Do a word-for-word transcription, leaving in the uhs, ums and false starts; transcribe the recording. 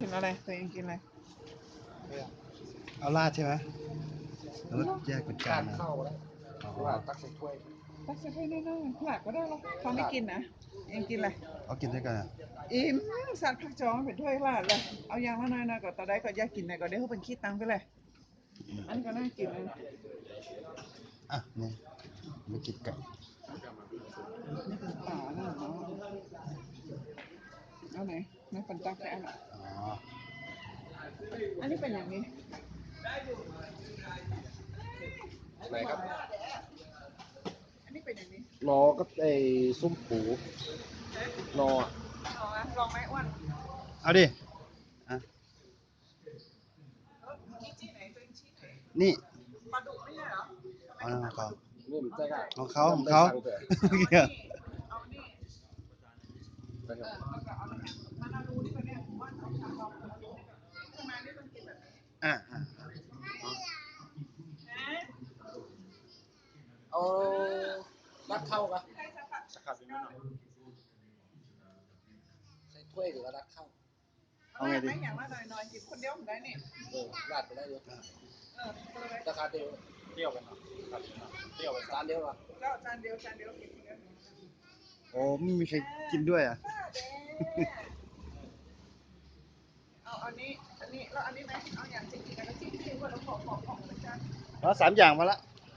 กินอะไรตัวเองกินอะไรเอาราดใช่ไหมหรือว่าแยกเป็นจานทานข้าวแล้วหรือว่าตักใส่ถ้วยตักใส่ถ้วยน้อยๆหลักก็ได้หรอกเขาไม่กินนะเองกินอะไรเอากินด้วยกันอ่ะอิ่มสัตว์ผักจองเป็นถ้วยลาดเลยเอาอย่างละน้อยๆก็ตอนใดก็อยากกินไหนก็เดี๋ยวเขาเป็นขี้ตังไปเลยอันนี้ก็น่ากินเลยอ่ะนี่ไม่กินไก่นี่เป็นป่าหน้าเนาะเอาไหนไม่ปันตักแค่อันอ่ะอ๋ออันนี้เป็นอย่างนี้ไหนครับอันนี้เป็นอย่างนี้นอก็ไอ้ส้มปูนอลองนะลองไหมอ้วนเอาดิอ่ะชี้ชี้ไหนตัวเองชี้ไหนนี่ปลาดุกไม่ใช่เหรอเอาของเขานี่มันจะได้ของเขาของเขาเอานี่ไปครับแล้วก็เอาน้ำแข็งมานาดูนี่ก็เนี่ยว่าเอาชาลองมาดูนี่ก็ทำไมนี่ต้องกินแบบนี้อ่ะอ่ะเอารัดเข้ากันใช่สักพักสักขับนิดหน่อยใส่ถ้วยหรือว่ารัดเข้าเอาไงดีอย่างละหน่อยๆกินคนเดียวผมได้นี่เออราดไปได้เลยเออคนละราคาเดียวเปรี้ยวไปหน่อยเปรี้ยวไปจานเดียวเหรอแล้วจานเดียวจานเดียวกินคนเดียวโอ้ไม่มีใครกินด้วยอ่ะเอาอันนี้อันนี้แล้วอันนี้ไหมเอาอย่างจริงๆกันแล้วจริงๆว่าเราขอขอของเหมือนกันเอาสามอย่างมาละ